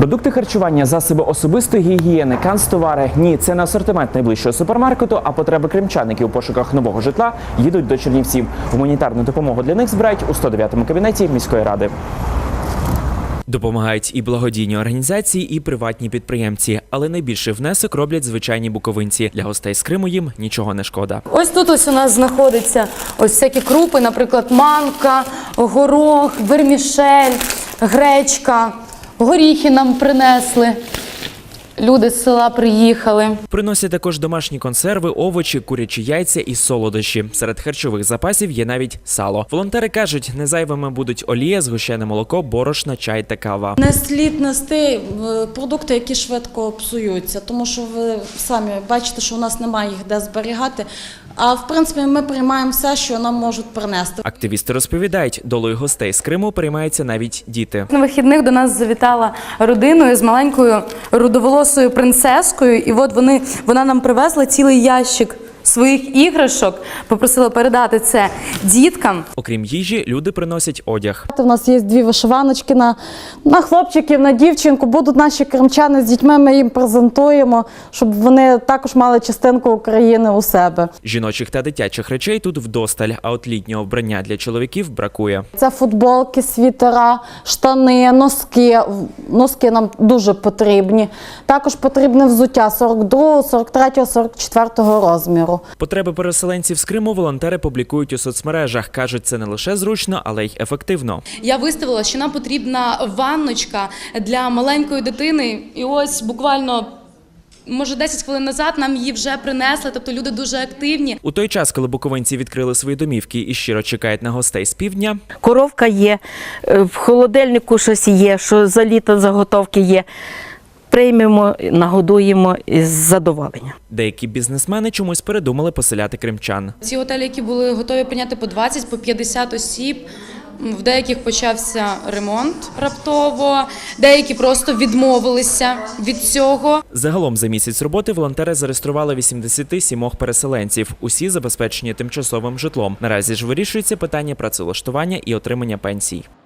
Продукти харчування, засоби особистої гігієни, канцтовари – ні, це не асортимент найближчого супермаркету, а потреби кримчан, які у пошуках нового житла їдуть до Чернівців. Гуманітарну допомогу для них збирають у 109-му кабінеті міської ради. Допомагають і благодійні організації, і приватні підприємці. Але найбільший внесок роблять звичайні буковинці. Для гостей з Криму їм нічого не шкода. Ось тут ось у нас знаходяться ось всякі крупи, наприклад, манка, горох, вермішель, гречка. Горіхи нам принесли. Люди з села приїхали. Приносять також домашні консерви, овочі, курячі яйця і солодощі. Серед харчових запасів є навіть сало. Волонтери кажуть, не зайвими будуть олія, згущене молоко, борошна, чай та кава. Не слід нести продукти, які швидко псуються, тому що ви самі бачите, що у нас немає їх де зберігати. А в принципі ми приймаємо все, що нам можуть принести. Активісти розповідають, долею гостей з Криму переймаються навіть діти. На вихідних до нас завітала родиною з маленькою рудоволосою принцескою. І от вона нам привезла цілий ящик своїх іграшок, попросила передати це діткам. Окрім їжі, люди приносять одяг. У нас є 2 вишиваночки на хлопчиків, на дівчинку. Будуть наші кримчани з дітьми, ми їм презентуємо, щоб вони також мали частинку України у себе. Жіночих та дитячих речей тут вдосталь, а от літнього вбрання для чоловіків бракує. Це футболки, світера, штани, носки. Носки нам дуже потрібні. Також потрібне взуття 42, 43, 44 розміру. Потреби переселенців з Криму волонтери публікують у соцмережах. Кажуть, це не лише зручно, але й ефективно. Я виставила, що нам потрібна ванночка для маленької дитини. І ось буквально, може 10 хвилин назад нам її вже принесли, тобто люди дуже активні. У той час, коли буковинці відкрили свої домівки і щиро чекають на гостей з півдня, коровка є, в холодильнику щось є, що за літо заготовки є. Приймемо, нагодуємо із задоволенням. Деякі бізнесмени чомусь передумали поселяти кримчан. Ці готелі, які були готові прийняти по 20, по 50 осіб, в деяких почався ремонт раптово, деякі просто відмовилися від цього. Загалом за місяць роботи волонтери зареєстрували 87 переселенців. Усі забезпечені тимчасовим житлом. Наразі ж вирішується питання працевлаштування і отримання пенсій.